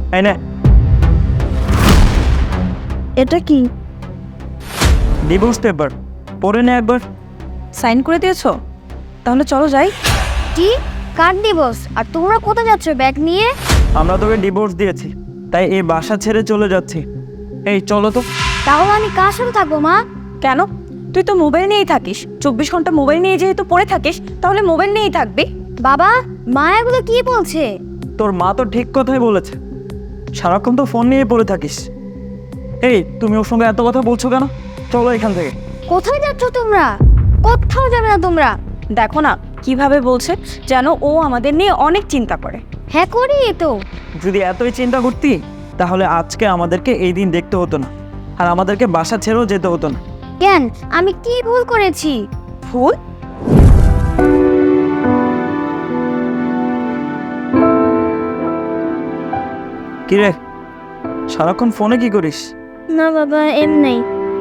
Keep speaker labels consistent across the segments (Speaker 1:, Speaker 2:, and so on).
Speaker 1: এই নে
Speaker 2: এটা কি?
Speaker 1: ডিভোর্স পেপার, পড়ে নে একবার।
Speaker 2: সাইন করে দিয়েছো? তাহলে চলো যাই।
Speaker 3: কি? কার ডিভোর্স? আর তোমরা কোথায় যাচ্ছ ব্যাগ নিয়ে?
Speaker 1: আমরা তোকে ডিভোর্স দিয়েছি, তাই এই বাসা ছেড়ে চলে যাচ্ছি। এই চলো তো।
Speaker 3: তাহলে আমি কার সাথে থাকবো মা?
Speaker 2: কেন? তুই তো মোবাইল নিয়েই থাকিস, 24 ঘন্টা মোবাইল নিয়ে যেহেতু পড়ে থাকিস, তাহলে মোবাইল নিয়েই থাকবি।
Speaker 3: বাবা, মা এগুলো কি বলছে?
Speaker 1: তোর মা তো ঠিক কথাই বলেছে, সারাক্ষণ তো ফোন নিয়ে পড়ে থাকিস। এই তুমি ওর সঙ্গে এত কথা বলছো কেন? চলো এখান থেকে।
Speaker 3: কোথায় যাচ্ছ তোমরা? কোথাও যাবে না তোমরা।
Speaker 2: দেখো না কিভাবে বলছে, যেন ও আমাদের নিয়ে অনেক চিন্তা করে।
Speaker 3: হ্যাঁ করি তো।
Speaker 1: যদি এতই চিন্তা করতি তাহলে আজকে আমাদেরকে এই দিন দেখতে হতো না, আর আমাদেরকে বাসা ছেড়েও যেতে হতো না।
Speaker 3: কেন? আমি কি ভুল করেছি?
Speaker 2: ভুল?
Speaker 1: কি রে, সারাক্ষণ ফোনে কি করিস?
Speaker 3: না বাবা, এমনি।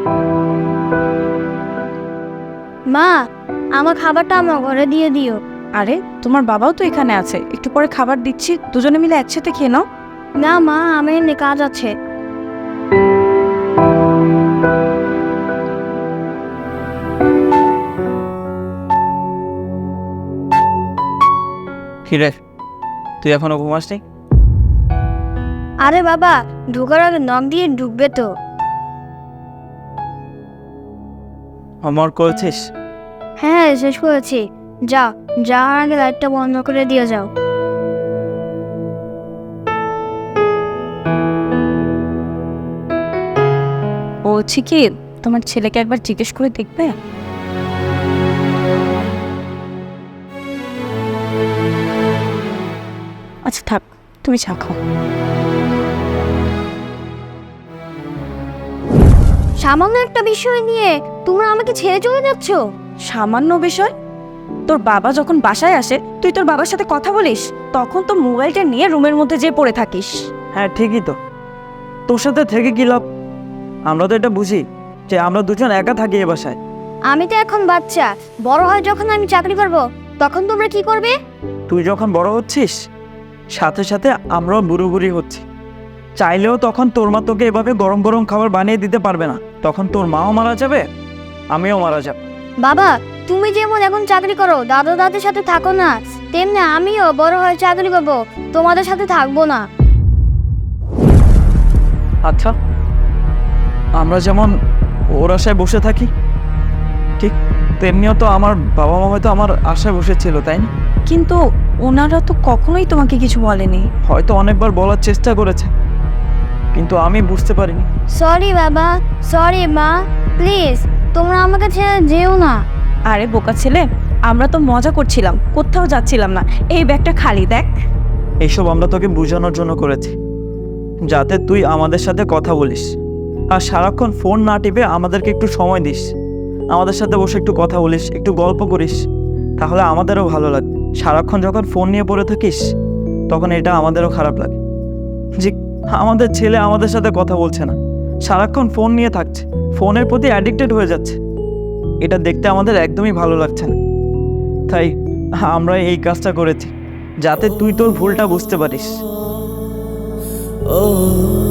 Speaker 3: মা, আমার খাবারটা আমার ঘরে দিয়ে দিও।
Speaker 2: আরে তোমার বাবাও তো এখানে আছে, একটু পরে খাবার দিচ্ছি, দুজনে মিলে একসাথে খেয়ে নাও।
Speaker 3: না মা, আমার এমনি কাজ আছে।
Speaker 1: কি রে, তুই এখনো ঘুমাসনি?
Speaker 3: আরে বাবা, ঢোকার আগে নখ দিয়ে ঢুকবে তো।
Speaker 1: হোমওয়ার্ক করেছিস?
Speaker 3: হ্যাঁ শেষ করেছি। যাও, যাওয়ার আগে লাইটটা বন্ধ করে দিয়ে যাও।
Speaker 2: বলছি কি, তোমার ছেলেকে একবার জিজ্ঞেস করে দেখবে? আচ্ছা থাক, তুমি চা খাও।
Speaker 3: সামান্য একটা বিষয় নিয়ে তোমরা আমাকে ছেড়ে চলে যাচ্ছ?
Speaker 2: সামান্য বিষয়? তোর বাবা যখন বাসায় আসে তুই তোর বাবার সাথে কথা বলিস, তখন তো মোবাইলটা নিয়ে রুমের মধ্যে যেয়ে পড়ে থাকিস।
Speaker 1: হ্যাঁ ঠিকই তো, তোর সাথে থেকে কি লাভ? আমরা তো এটা বুঝি যে আমরা দুজন একা থাকি এ বাসায়।
Speaker 3: আমি তো এখন বাচ্চা, বড় হয় যখন আমি চাকরি করব, তখন তোমরা কি করবে?
Speaker 1: তুই যখন বড় হচ্ছিস, সাথে সাথে আমরাও বুড়ো বুড়ি হচ্ছি। চাইলেও তখন তোর মা তোকে এভাবে গরম গরম খাবার বানিয়ে দিতে পারবে না। তখন তোর মাও মারা যাবে, আমিও মারা যাব।
Speaker 3: বাবা, তুমি যেমন এখন চাকরি করো, দাদা দাদির সাথে থাকো না, তেমনি আমিও বড় হয়ে চাকরি করব, তোমাদের সাথে থাকবো না।
Speaker 1: আচ্ছা, আমরা যেমন ওর আশায় বসে থাকি, ঠিক তেমনিও তো আমার বাবা মা হয়তো আমার আশায় বসেছিল, তাই না?
Speaker 2: কিন্তু ওনারা তো কখনোই তোমাকে কিছু বলেনি।
Speaker 1: হয়তো অনেকবার বলার চেষ্টা করেছে, কিন্তু আমি বুঝতে পারিনি।
Speaker 3: সরি বাবা, সরি মা, প্লিজ তোমরা আমাকে ছেড়ে যেও না।
Speaker 2: আরে বোকা ছেলে, আমরা তো মজা করছিলাম, কোথাও যাচ্ছিলাম না। এই ব্যাগটা খালি দেখ।
Speaker 1: এইসব আমরা তোকে বোঝানোর জন্য করেছি, যাতে তুই আমাদের সাথে কথা বলিস, আর সারাক্ষণ ফোন না টিপে আমাদেরকে একটু সময় দিস, আমাদের সাথে বসে একটু কথা বলিস, একটু গল্প করিস, তাহলে আমাদেরও ভালো লাগবে। সারাক্ষণ যখন ফোন নিয়ে পড়ে থাকিস তখন এটা আমাদেরও খারাপ লাগে যে আমাদের ছেলে আমাদের সাথে কথা বলছে না, সারাক্ষণ ফোন নিয়ে থাকছে, ফোনের প্রতি অ্যাডিক্টেড হয়ে যাচ্ছে। এটা দেখতে আমাদের একদমই ভালো লাগছে না, তাই আমরা এই কাজটা করেছি যাতে তুই তোর ভুলটা বুঝতে পারিস।